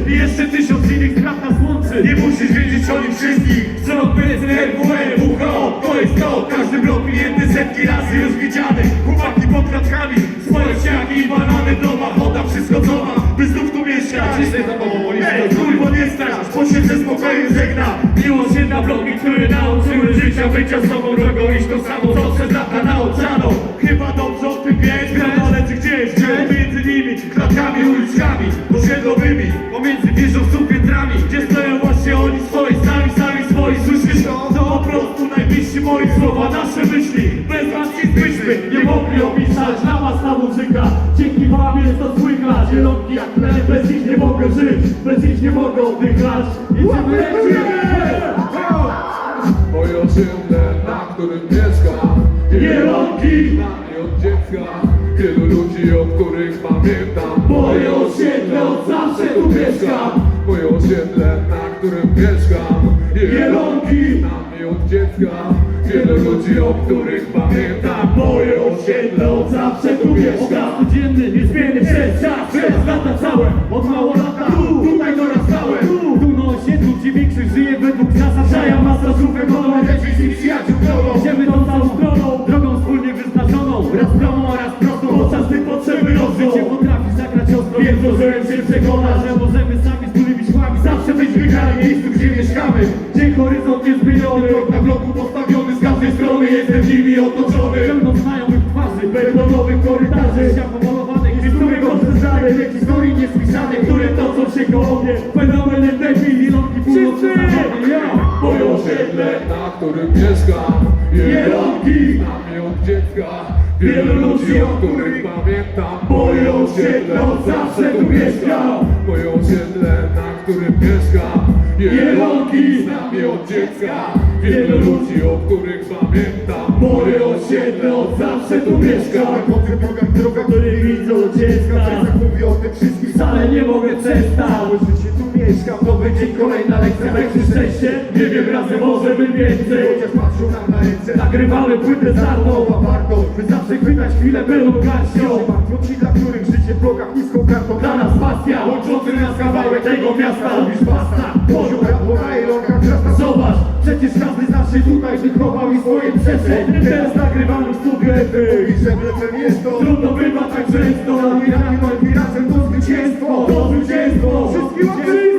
I jeszcze 1000 innych spraw nas łączy. Nie musisz wiedzieć o nich wszystkich. Wzrok, PSN, RWE, WHO, to jest to. Każdy blok klienty setki razy już widziany. Chłopaki pod kratkami, swoje ściaki i banany w domach. Oda wszystko co ma, by znów tu mieszkać. Kurwo nie strasz, bo się ze spokojem żegna. Miłość jedna bloki, które nauczyły życia bycia z sobą drogą. Iść tą samą, co przez lata nauczano. Chyba dobrze o tym wiesz, ale czy gdzieś między nimi, klatkami, uliczkami osiedlowymi, pomiędzy wieżowców piętrami, gdzie stoją właśnie oni swoi, sami swoi. Słyszysz to po prostu najbliżsi moi słowa, nasze myśli. Bez was nic byśmy nie mogli opisać. Dla was ta muzyka, dzięki wam jest to słychać. Zielonki jak tle, bez nich nie mogę żyć, bez nich nie mogę oddychać. Idziemy, moje osiedle, na którym mieszkam. Zielonki! Na mnie od dziecka, wielu ludzi, o których pamiętam. Moje osiedle, od zawsze tu mieszkam. Moje osiedle, na którym mieszkam. Zielonki! Na mnie od dziecka, wielu ludzi, o których pamiętam. Moje osiedle, od zawsze tu mieszkam. Codzienny, niezmienny przez czas, przez lata całe. Od mało lata, tutaj dorastałem. Tu na osiedlu, gdzie większość żyje według zasad. Ja masa żółwek, ono leci z nich przyjaciół drogą. Idziemy tą całą stroną, drogą wspólnie wyznaczoną. Raz promą, a raz prostą, podczas gdy potrzeby rosną. Życie potrafi zagrać ostro, więc zdążyłem się przekonać, że możemy sami z tymi szłami zawsze być wygrani w miejscu, gdzie mieszkamy. Gdzie horyzont niezmieniony, blok na bloku postawiony, z każdej strony jestem nimi otoczony. Pełno znajomych twarzy, betonowych korytarzy, ścian pomalowanych, gdzie których odrzezanych, jakieś historii niesłyszane, które toczą się koło mnie. Fenomen endemii, Zielonki północno-zachodnie, ja. Moje osiedle, na którym mieszkam. Zielonki! Na mnie od dziecka, wielu ludzi, o których pamiętam. Moje osiedle, od zawsze tu mieszkam. Moje osiedle, na którym mieszkam. Zielonki! Na mnie od dziecka, wielu ludzi, o których pamiętam. Moje osiedle, od zawsze tu mieszkam. Po tych drogach, Który widzą dziecka, tak mówię o tym wszystkim. wcale nie mogę przestać. Całe życie tu mieszkam. Nowy dzień, kolejna lekcja, weźmy szczęście. Nie wiem, razem możemy więcej. Chociaż patrzą nam na ręce, Nagrywamy płytę zarną, nowa wartość. by zawsze chwytać chwilę pełną garścią. Martwią ci, dla których życie w blokach niską kartą. Dla nas pasja, łączący nas kawałek tego miasta. Lubisz basta, Poziom rapu na ilonkach wzrasta. zobacz, przecież każdy z nas się tutaj wychował i swoje przeszło. Teraz nagrywamy w studiu efekt. I że mlecem jest to. Trudno bywa tak często. Zabieramy nowy razem to zwycięstwo. To zwycięstwo. Wszystkim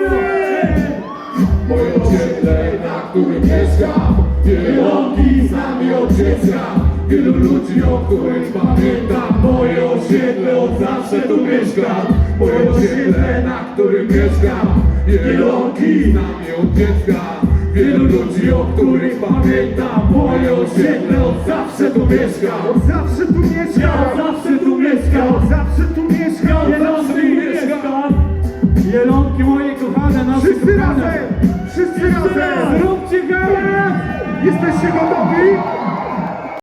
Moje osiedle, na którym mieszkam. Zielonki! Z nami od dziecka, wielu ludzi, o których pamiętam. Moje osiedle, od zawsze tu mieszkam. Moje osiedle, na którym mieszkam. Zielonki! Z nami od dziecka, wielu ludzi, o których pamiętam. Moje osiedle, od zawsze tu mieszkam. Od zawsze tu Ja mieszkam. od zawsze tu mieszkam. Od zawsze tu mieszkam. Zielonki mieszkam. Zielonki moje kochane, nasze Wszyscy kochane. razem. Wszyscy razem. Zróbcie gałę! Jesteście gotowi?